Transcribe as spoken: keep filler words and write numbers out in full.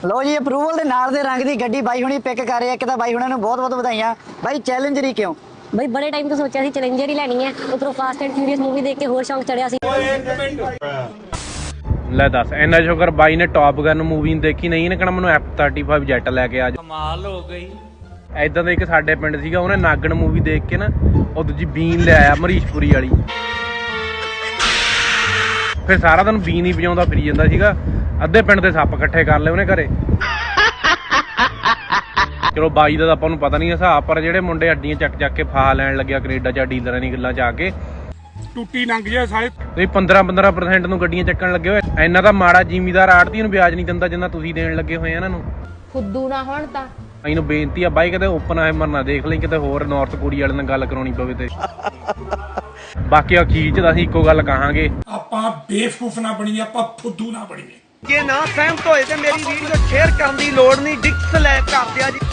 ਲੋ ਜੀ ਅਪਰੂਵਲ ਦੇ ਨਾਲ ਦੇ ਰੰਗ ਦੀ ਗੱਡੀ ਬਾਈ ਹੁਣੀ ਪਿਕ ਕਰ ਰਿਹਾ। ਇੱਕ ਤਾਂ ਬਾਈ ਹੁਣਾਂ ਨੂੰ ਬਹੁਤ ਬਹੁਤ ਵਧਾਈਆਂ। ਬਾਈ ਚੈਲੰਜਰ ਹੀ ਕਿਉਂ? ਬਈ ਬੜੇ ਟਾਈਮ ਤੋਂ ਸੋਚਿਆ ਸੀ ਚੈਲੰਜਰ ਹੀ ਲੈਣੀ ਹੈ। ਉਧਰੋਂ ਫਾਸਟ ਐਂਡ ਫਿਊਰੀਅਸ ਮੂਵੀ ਦੇਖ ਕੇ ਹੋਰ ਸ਼ੌਂਕ ਚੜਿਆ ਸੀ। ਲੈ ਦੱਸ ਇੰਨਾ ਸ਼ੁਕਰ ਬਾਈ ਨੇ ਟੌਪ ਗਨ ਮੂਵੀ ਦੇਖੀ ਨਹੀਂ ਇਹਨੇ ਕਹਣਾ ਮੈਨੂੰ ਐਫ ਥਰਟੀ ਫਾਈਵ ਜੈਟ ਲੈ ਕੇ ਆ ਜਾ। ਕਮਾਲ ਹੋ ਗਈ। ਐਦਾਂ ਦਾ ਇੱਕ ਸਾਡੇ ਪਿੰਡ ਸੀਗਾ ਉਹਨੇ ਨਾਗਣ ਮੂਵੀ ਦੇਖ ਕੇ ਨਾ ਉਹ ਦੂਜੀ ਬੀਨ ਲੈ ਆਇਆ ਮਰੀਸ਼ਪੁਰੀ ਵਾਲੀ। ਫਿਰ ਸਾਰਾ ਦਿਨ ਬੀਨ ਹੀ ਵਜਾਉਂਦਾ ਫਿਰੀ ਜਾਂਦਾ ਸੀਗਾ। ਅੱਧੇ ਪਿੰਡ ਦੇ ਸੱਪ ਇਕੱਠੇ ਕਰ ਲਏ ਉਹਨੇ ਘਰੇ। ਚਲੋ ਬਾਈ ਦਾ ਤਾਂ ਆਪਾਂ ਨੂੰ ਪਤਾ ਨਹੀਂ ਹਿਸਾਬ, ਪਰ ਜਿਹੜੇ ਮੁੰਡੇ ਅੱਡੀਆਂ ਚੱਕ ਚੱਕ ਕੇ ਫਾਹਾ ਲੈਣ ਲੱਗਿਆ ਕੈਨੇਡਾ ਜਾਂ ਡੀਲਰਾਂ ਦੀ ਗੱਲਾਂ ਚ ਆ ਕੇ ਟੁੱਟੀ ਲੰਘ ਜਾ ਸਾਰੇ। ਤੁਸੀਂ ਪੰਦਰਾਂ ਪੰਦਰਾਂ ਪਰਸੈਂਟ ਨੂੰ ਗੱਡੀਆਂ ਚੱਕਣ ਲੱਗੇ ਹੋਏ। ਇੰਨਾ ਤਾਂ ਮਾੜਾ ਜ਼ਿਮੀਦਾਰ ਆੜਤੀ ਨੂੰ ਵਿਆਜ ਨਹੀਂ ਦਿੰਦਾ ਜਿੰਨਾ ਤੁਸੀਂ ਦੇਣ ਲੱਗੇ ਹੋਏ ਇਹਨਾਂ ਨੂੰ। ਫੁੱਦੂ ਨਾ ਹੋਣ ਤਾਂ ਇਹਨੂੰ ਬੇਨਤੀ ਆ ਬਾਈ ਕਿਤੇ ਓਪਨ ਆਇਮਰ ਨਾ ਦੇਖ ਲਈ, ਕਿਤੇ ਹੋਰ ਨਾਰਥ ਕੋਰੀਆ ਵਾਲੇ ਨਾਲ ਗੱਲ ਕਰਾਉਣੀ ਪਵੇ ਤੇ। ਬਾਕੀ ਅਖੀਰ ਚ ਅਸੀਂ ਇੱਕੋ ਗੱਲ ਕਹਾਂਗੇ, ਆਪਾਂ ਬੇਵਕੂਫ ਨਾ ਬਣੀਏ, ਆਪਾਂ ਫੁੱਦੂ ਨਾ ਬਣੀਏ। ਜੇ ਨਾ ਸਹਿਮਤ ਹੋਏ ਤੇ ਮੇਰੀ ਵੀਡੀਓ ਸ਼ੇਅਰ ਕਰਨ ਦੀ ਲੋੜ ਨਹੀਂ। ਡਿਕਸ ਲੈ ਕਰ ਦਿਆ ਜੀ।